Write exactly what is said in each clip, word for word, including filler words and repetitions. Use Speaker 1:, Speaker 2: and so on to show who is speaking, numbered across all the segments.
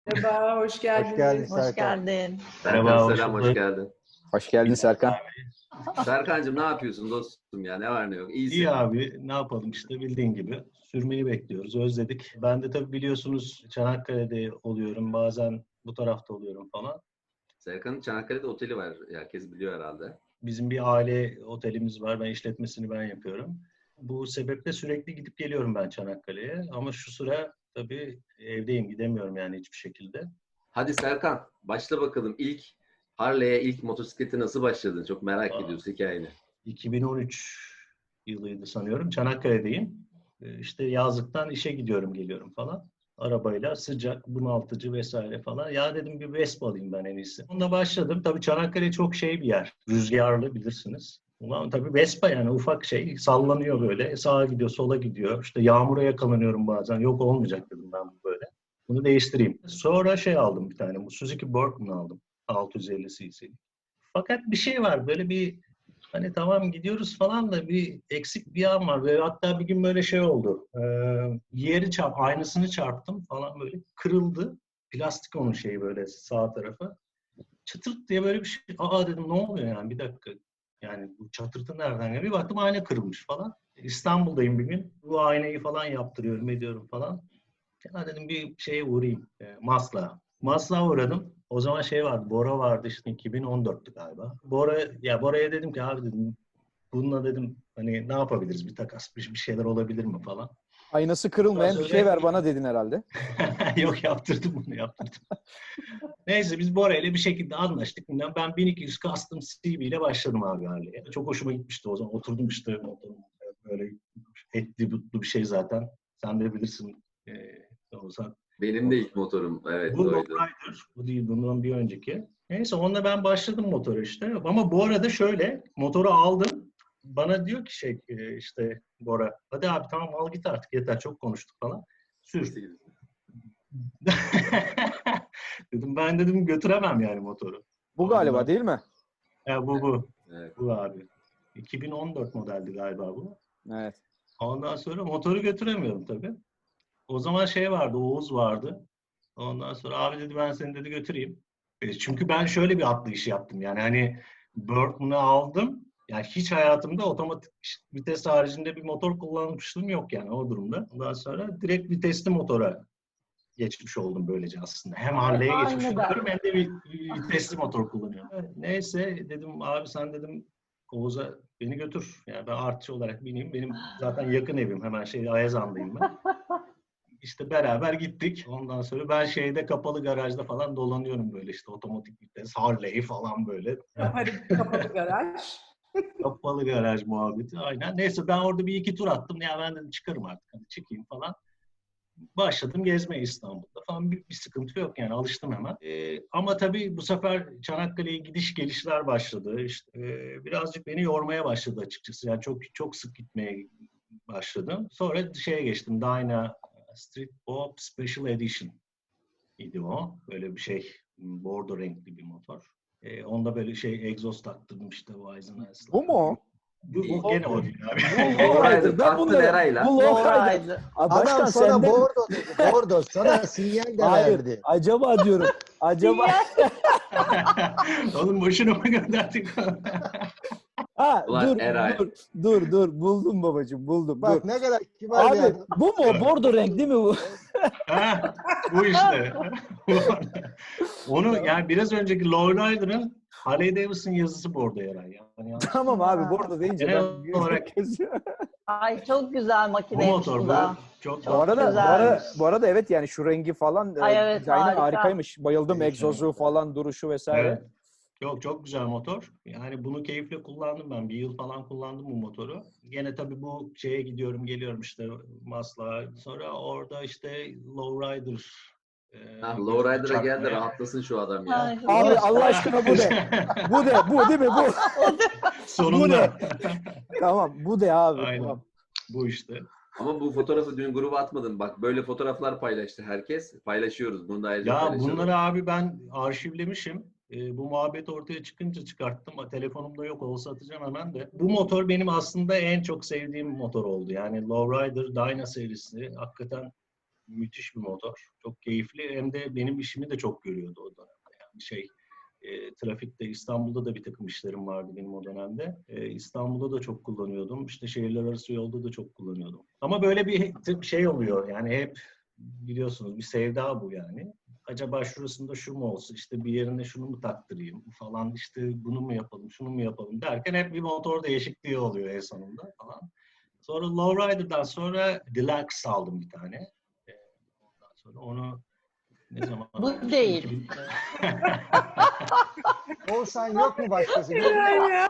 Speaker 1: Merhaba, hoş
Speaker 2: Hoş geldin
Speaker 1: geldiniz.
Speaker 3: Hoş
Speaker 2: Serkan.
Speaker 3: geldin.
Speaker 4: Serkan
Speaker 5: Merhaba, hoş
Speaker 4: selam, hoş
Speaker 5: bulduk.
Speaker 4: geldin.
Speaker 2: Hoş geldin Serkan.
Speaker 4: Serkancığım ne yapıyorsun dostum ya? Ne var ne yok? İyisin.
Speaker 5: İyi abi, ne yapalım işte bildiğin gibi. Sürmeyi bekliyoruz, özledik. Ben de tabii biliyorsunuz Çanakkale'de oluyorum, bazen bu tarafta oluyorum falan.
Speaker 4: Serkan'ın Çanakkale'de oteli var. Herkes biliyor herhalde.
Speaker 5: Bizim bir aile otelimiz var, ben işletmesini ben yapıyorum. Bu sebeple sürekli gidip geliyorum ben Çanakkale'ye. Ama şu sıra tabii evdeyim, gidemiyorum yani hiçbir şekilde.
Speaker 4: Hadi Serkan, başla bakalım. İlk Harley'e, ilk motosiklete nasıl başladın? Çok merak
Speaker 5: Aa.
Speaker 4: ediyoruz hikayeni.
Speaker 5: iki bin on üç yılıydı sanıyorum. Çanakkale'deyim. Ee, İşte yazlıktan işe gidiyorum, geliyorum falan. Arabayla sıcak, bunaltıcı vesaire falan. Ya dedim bir Vespa alayım ben en iyisi. Onunla başladım. Tabii Çanakkale çok şey bir yer. Rüzgarlı bilirsiniz. Ulan tabii Vespa yani ufak şey. Sallanıyor böyle. Sağa gidiyor, sola gidiyor. İşte yağmura yakalanıyorum bazen. Yok olmayacak dedim ben bu böyle. Bunu değiştireyim. Sonra şey aldım bir tane. Bu Suzuki Berkman aldım. altı yüz elli cc. Fakat bir şey var. Böyle bir hani tamam gidiyoruz falan da bir eksik bir an var. Ve hatta bir gün böyle şey oldu. Ee, yeri çarp, aynasını çarptım falan böyle kırıldı. Plastik onun şeyi böyle sağ tarafı. Çıtırt diye böyle bir şey. Aa dedim ne oluyor yani bir dakika. Yani bu çatırtı nereden geliyor? Bir baktım ayna kırılmış falan. İstanbul'dayım bir gün. Bu aynayı falan yaptırıyorum ediyorum falan. Ya dedim bir şeye uğrayayım. E, Maslak'a. Maslak'a uğradım. O zaman şey vardı, Bora vardı işte iki bin on dörttü galiba. Bora, ya Bora'ya dedim ki abi dedim bununla dedim hani ne yapabiliriz bir takas bir, bir şeyler olabilir mi falan.
Speaker 2: Aynası kırılmayan bir şey ver bana dedin herhalde.
Speaker 5: Yok yaptırdım bunu yaptırdım. Neyse biz Bora ile bir şekilde anlaştık. Ben bin iki yüz Custom C V ile başladım abi Harley'e. Çok hoşuma gitmişti o zaman. Oturdum işte böyle etli butlu bir şey zaten. Sen de bilirsin. E, o zaman.
Speaker 4: Benim de ilk motorum. Evet,
Speaker 5: Bu
Speaker 4: oydu.
Speaker 5: Lowrider. Bu değil, bundan bir önceki. Neyse onunla ben başladım motora işte. Ama bu arada şöyle, motoru aldım. Bana diyor ki şey işte Bora, hadi abi tamam al git artık yeter çok konuştuk falan. Sür. Dedim ben dedim götüremem yani motoru.
Speaker 2: Bu galiba değil mi?
Speaker 5: E, bu bu.
Speaker 4: Evet.
Speaker 5: Bu abi. iki bin on dört modeldi galiba bu.
Speaker 2: Evet.
Speaker 5: Ondan sonra motoru götüremiyorum tabii. O zaman şey vardı, Oğuz vardı. Ondan sonra abi dedi ben seni dedi götüreyim. E, çünkü ben şöyle bir atlayış yaptım. Yani hani Berkman'ı aldım. Yani hiç hayatımda otomatik vites haricinde bir motor kullanmışlığım yok yani o durumda. Ondan sonra direkt vitesli motora geçmiş oldum böylece aslında. Hem Harley'e geçmiş
Speaker 3: Aynen.
Speaker 5: oluyorum hem de bir vitesli motor kullanıyorum. Neyse dedim abi sen dedim Oğuz'a beni götür. Yani ben artçı olarak bineyim. Benim zaten yakın evim. Hemen şey Ayazan'dayım ben. İşte beraber gittik. Ondan sonra ben şeyde kapalı garajda falan dolanıyorum böyle işte otomatik vites, Harley falan böyle.
Speaker 1: Kapalı, kapalı garaj.
Speaker 5: Kapalı garaj muhabbeti aynen. Neyse ben orada bir iki tur attım. Ya ben dedim çıkarım artık hadi çıkayım falan. Başladım gezmeye İstanbul'da falan bir, bir sıkıntı yok yani alıştım hemen. Ee, ama tabii bu sefer Çanakkale'ye gidiş gelişler başladı. İşte, e, birazcık beni yormaya başladı açıkçası. Yani çok çok sık gitmeye başladım. Sonra şeye geçtim. Dyna Street Pop Special Edition idi o. Böyle bir şey. Bordo renkli bir motor. Ee, onda böyle şey egzoz taktırdım işte Weizenhaus'la.
Speaker 2: Bu mu?
Speaker 5: Bu, bu gene o değil abi.
Speaker 4: Lowrider,
Speaker 2: Ben
Speaker 4: attın
Speaker 2: bunları...
Speaker 4: Eray'la.
Speaker 2: Bu Lowrider.
Speaker 3: Lowrider.
Speaker 2: Aa, Başkan
Speaker 6: Adam sana
Speaker 2: senden...
Speaker 6: bordo dedi. Bordo. Sana sinyal de
Speaker 2: Hayır.
Speaker 6: verdi.
Speaker 2: Acaba diyorum. Acaba...
Speaker 5: Oğlum boşuna mı gönderdik?
Speaker 2: Ha,
Speaker 4: Ulan
Speaker 2: dur,
Speaker 4: Eray.
Speaker 2: dur, dur, dur. Buldum babacığım, buldum.
Speaker 6: Bak
Speaker 2: dur.
Speaker 6: ne kadar kibar bir
Speaker 2: Abi,
Speaker 6: adam.
Speaker 2: bu mu? Bordo renk değil mi bu?
Speaker 5: Ha, bu işte. Onu yani biraz önceki Lowrider'ın Harley Davidson yazısı bordo yarar. Yani yanlış.
Speaker 2: Tamam abi, bordo deyince
Speaker 5: Genel
Speaker 2: ben...
Speaker 5: olarak-
Speaker 3: Ay çok güzel
Speaker 5: Bu
Speaker 3: makineymiş
Speaker 5: motor
Speaker 3: bu
Speaker 5: bu.
Speaker 3: da.
Speaker 5: Çok,
Speaker 2: Bu arada, bu,
Speaker 3: güzelmiş.
Speaker 2: ara, bu arada evet yani şu rengi falan
Speaker 3: Ay
Speaker 2: e,
Speaker 3: evet,
Speaker 2: dizaynı
Speaker 3: harika.
Speaker 2: harikaymış. Bayıldım
Speaker 6: Evet,
Speaker 2: egzozu
Speaker 6: evet.
Speaker 2: falan, duruşu vesaire.
Speaker 5: Evet. Çok çok güzel motor. Yani bunu keyifle kullandım ben. Bir yıl falan kullandım bu motoru. Gene tabii bu şeye gidiyorum geliyorum işte Maslak'a. Sonra orada işte Lowrider. E,
Speaker 4: Ha,
Speaker 5: gözüme
Speaker 4: Lowrider'a geldi
Speaker 5: çarpmaya.
Speaker 4: rahatlasın şu adam ya.
Speaker 3: Ay,
Speaker 2: Abi
Speaker 3: bu-
Speaker 2: Allah aşkına bu de. Bu de, bu değil mi bu?
Speaker 5: Sonunda.
Speaker 2: Tamam, bu de abi.
Speaker 5: Aynen.
Speaker 2: Tamam.
Speaker 5: Bu işte.
Speaker 4: Ama bu fotoğrafı dün gruba atmadın. Bak böyle fotoğraflar paylaştı herkes. Paylaşıyoruz. Bunu da ayrıca
Speaker 5: Ya
Speaker 4: paylaşalım.
Speaker 5: bunları abi ben arşivlemişim. E, bu muhabbet ortaya çıkınca çıkarttım. Telefonumda yok olsa atacağım hemen de. Bu motor benim aslında en çok sevdiğim motor oldu. Yani Lowrider Dyna serisi hakikaten müthiş bir motor. Çok keyifli. Hem de benim işimi de çok görüyordu o dönemde. Yani şey, e, trafikte İstanbul'da da bir takım işlerim vardı benim o dönemde. E, İstanbul'da da çok kullanıyordum. İşte şehirler arası yolda da çok kullanıyordum. Ama böyle bir tip şey oluyor. Yani hep biliyorsunuz bir sevda bu yani. Acaba şurasında şu mu olsun, işte bir yerine şunu mu taktırayım falan, işte bunu mu yapalım, şunu mu yapalım derken hep bir motor değişikliği oluyor en sonunda falan. Sonra Lowrider'dan sonra Deluxe aldım bir tane. Ee, Ondan sonra onu ne zaman
Speaker 3: Bu
Speaker 5: almıştım?
Speaker 3: değil.
Speaker 5: iki bin
Speaker 6: Oğuzhan yok mu başkası?
Speaker 1: Helal ya.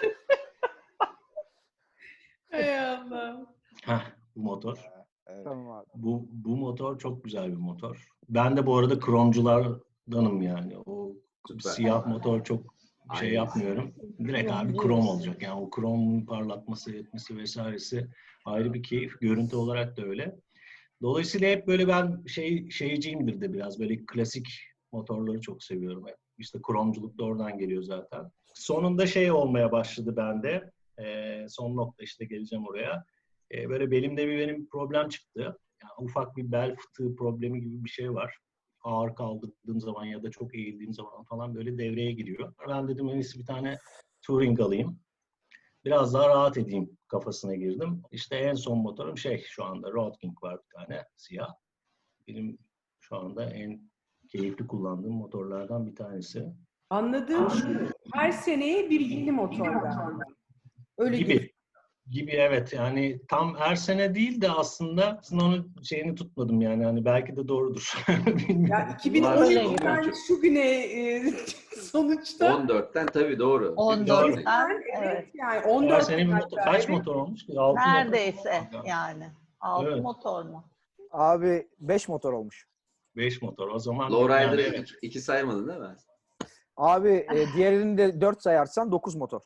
Speaker 1: Hay Allah.
Speaker 5: Heh, bu motor.
Speaker 6: Evet.
Speaker 2: Tamam abi.
Speaker 5: Bu, bu motor çok güzel bir motor. Ben de bu arada kromculardanım yani. O
Speaker 4: Süper.
Speaker 5: siyah motor çok şey
Speaker 4: Aynen.
Speaker 5: yapmıyorum. Direkt abi krom olacak. Yani o kromun parlatması, etmesi vesairesi ayrı bir keyif. Görüntü olarak da öyle. Dolayısıyla hep böyle ben şey şeyciyimdir de biraz böyle klasik motorları çok seviyorum hep. İşte kromculuk da oradan geliyor zaten. Sonunda şey olmaya başladı bende. Ee, son nokta işte geleceğim oraya. Ee, böyle belimde bir benim problem çıktı. Yani ufak bir bel fıtığı problemi gibi bir şey var. Ağır kaldırdığım zaman ya da çok eğildiğim zaman falan böyle devreye giriyor. Ben dedim en iyisi bir tane Touring alayım. Biraz daha rahat edeyim kafasına girdim. İşte en son motorum şey şu anda Road King var bir tane siyah. Benim şu anda en keyifli kullandığım motorlardan bir tanesi.
Speaker 1: Anladığım şu, her seneye bir yeni motor galiba. Öyle
Speaker 5: Gibi.
Speaker 1: gibi.
Speaker 5: Gibi evet yani tam her sene değil de aslında aslında onun şeyini tutmadım yani hani belki de doğrudur. Bilmiyorum.
Speaker 1: Ya iki bin on
Speaker 3: Öyle
Speaker 1: ikiden
Speaker 4: gibi.
Speaker 1: şu güne e, sonuçta
Speaker 4: on dörtten tabii doğru.
Speaker 3: on
Speaker 5: Doğru.
Speaker 3: dörtten
Speaker 1: evet,
Speaker 3: evet.
Speaker 1: yani on
Speaker 5: Her
Speaker 1: dört
Speaker 5: sene bir motor, kaç
Speaker 1: evet.
Speaker 5: motor olmuş ki? Altı
Speaker 3: Neredeyse
Speaker 5: motor.
Speaker 3: yani. Altı
Speaker 5: Evet.
Speaker 3: motor mu?
Speaker 2: Abi beş motor olmuş.
Speaker 5: Beş motor. O zaman
Speaker 4: Lowrider'ı
Speaker 5: yani evet.
Speaker 4: iki, iki saymadın değil mi?
Speaker 2: Abi e, diğerini de dört sayarsan dokuz motor.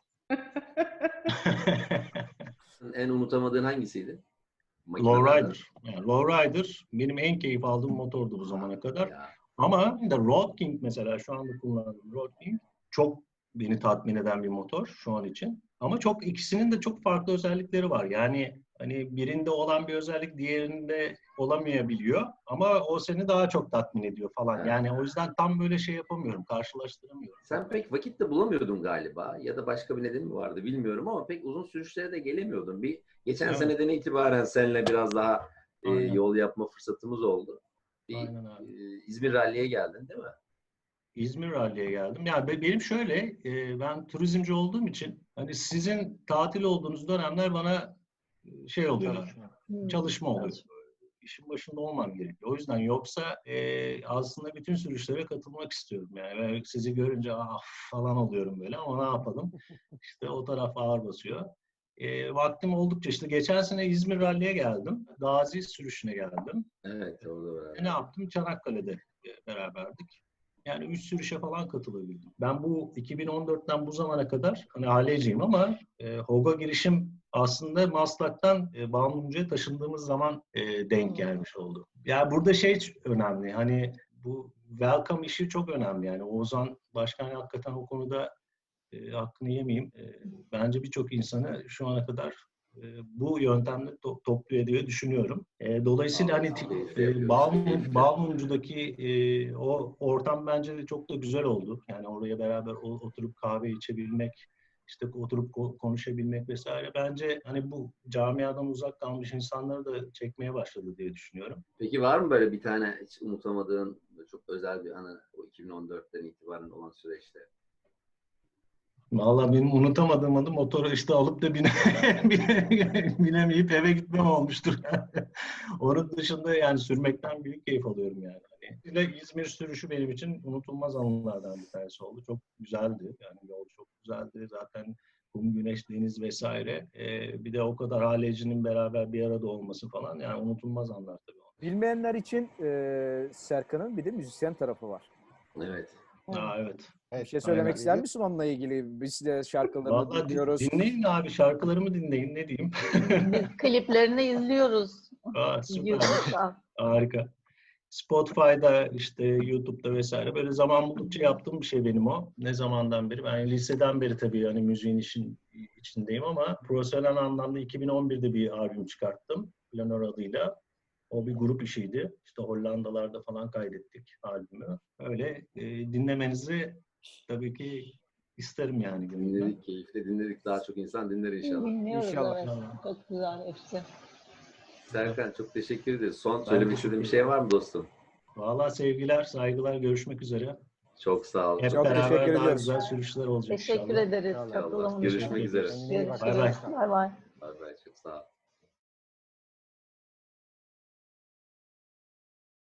Speaker 4: En unutamadığın hangisiydi?
Speaker 5: Lowrider. Yani Lowrider benim en keyif aldığım motordu bu zamana kadar.
Speaker 4: Ya.
Speaker 5: Ama bir de Road King mesela şu anda kullandığım Road King çok beni tatmin eden bir motor şu an için. Ama çok ikisinin de çok farklı özellikleri var. Yani hani birinde olan bir özellik diğerinde olamayabiliyor. Ama o seni daha çok tatmin ediyor falan.
Speaker 4: Evet.
Speaker 5: Yani o yüzden tam böyle şey yapamıyorum, karşılaştıramıyorum.
Speaker 4: Sen pek vakit de bulamıyordun galiba ya da başka bir nedeni mi vardı bilmiyorum ama pek uzun sürüşlere de gelemiyordun. Bir geçen
Speaker 5: Evet.
Speaker 4: seneden itibaren seninle biraz daha e,
Speaker 5: Aynen.
Speaker 4: yol yapma fırsatımız oldu. Bir,
Speaker 5: Aynen abi.
Speaker 4: e, İzmir Rally'ye geldin değil mi?
Speaker 5: İzmir Rally'ye geldim. Yani be- benim şöyle, e, ben turizmci olduğum için hani sizin tatil olduğunuz dönemler bana e, şey oluyor, çalışma oluyor. İşin başında olmam gerekiyor. O yüzden yoksa e, aslında bütün sürüşlere katılmak istiyorum. Yani ve sizi görünce ah falan oluyorum böyle ama ne yapalım? İşte o taraf ağır basıyor. E, vaktim oldukça işte geçen sene İzmir Rally'ye geldim. Gazi sürüşüne geldim.
Speaker 4: Evet orada var.
Speaker 5: E, ne yaptım? Çanakkale'de e, beraberdik. Yani üç sürüşe falan katılabildim. Ben bu iki bin on dörtten bu zamana kadar hani aileciyim ama e, Hoga girişim aslında Maslak'tan e, Bağımlıca'ya taşındığımız zaman e, denk gelmiş oldu. Yani burada şey önemli. Hani bu welcome işi çok önemli. Yani Oğuzhan Başkan hakikaten o konuda e, hakkını yemeyeyim. E, bence birçok insanı şu ana kadar e, bu yöntemle to- topluyor diye düşünüyorum. E, dolayısıyla hani e, Balmum, Balmumcu'daki e, o ortam bence de çok da güzel oldu. Yani oraya beraber o, oturup kahve içebilmek, işte oturup ko- konuşabilmek vesaire. Bence hani bu camiadan uzak kalmış insanları da çekmeye başladı diye düşünüyorum.
Speaker 4: Peki var mı böyle bir tane hiç unutamadığın çok özel bir anı o iki bin on dörtten itibaren olan süreçte?
Speaker 5: Vallahi benim unutamadığım adı motoru işte alıp da bine, bine, binemeyip eve gitmem olmuştur. Onun dışında yani sürmekten büyük keyif alıyorum yani. Hani bir de İzmir sürüşü benim için unutulmaz anılardan bir tanesi oldu. Çok güzeldi. Yani yol çok güzeldi. Zaten kum, güneş, deniz vesaire. Ee, bir de o kadar halecinin beraber bir arada olması falan yani unutulmaz anlar tabii.
Speaker 2: Bilmeyenler için e, Serkan'ın bir de müzisyen tarafı var.
Speaker 4: Evet.
Speaker 5: Aa, evet.
Speaker 2: Bir şey söylemek
Speaker 5: aynen.
Speaker 2: ister misin onunla ilgili? Biz de şarkılarını
Speaker 5: Vallahi din-
Speaker 2: dinliyoruz.
Speaker 5: dinleyin abi şarkılarımı dinleyin ne diyeyim.
Speaker 3: Biz kliplerini izliyoruz.
Speaker 5: Aa, süper.
Speaker 3: YouTube'da.
Speaker 5: Harika. Spotify'da işte YouTube'da vesaire böyle zaman buldukça yaptığım bir şey benim o. Ne zamandan beri? Ben liseden beri tabii yani müziğin işin içindeyim ama profesyonel anlamda iki bin on birde bir albüm çıkarttım. Planör adıyla. O bir grup işiydi. İşte Hollandalarda falan kaydettik albümü. Öyle e, dinlemenizi tabii ki isterim yani gönülden.
Speaker 4: Dinledik, keyifle dinledik. Daha çok insan dinler inşallah.
Speaker 3: Dinliyoruz
Speaker 2: İnşallah.
Speaker 3: evet. Çok güzel hepsi.
Speaker 4: Serkan çok teşekkür ederiz. Son söylemek istediğin bir şey var mı dostum?
Speaker 5: Vallahi sevgiler, saygılar, görüşmek üzere.
Speaker 4: Çok sağ ol.
Speaker 5: Hep
Speaker 2: Çok
Speaker 5: beraber
Speaker 2: teşekkür
Speaker 5: daha
Speaker 2: ediyoruz.
Speaker 5: güzel sürüşler olacak
Speaker 3: Teşekkür
Speaker 5: inşallah.
Speaker 3: ederiz
Speaker 2: İnşallah.
Speaker 3: katılımınız için.
Speaker 4: Görüşmek üzere.
Speaker 6: Kendine iyi bak.
Speaker 5: Bay bay.
Speaker 3: Bay bay.
Speaker 4: Bay bay. Çok sağ ol.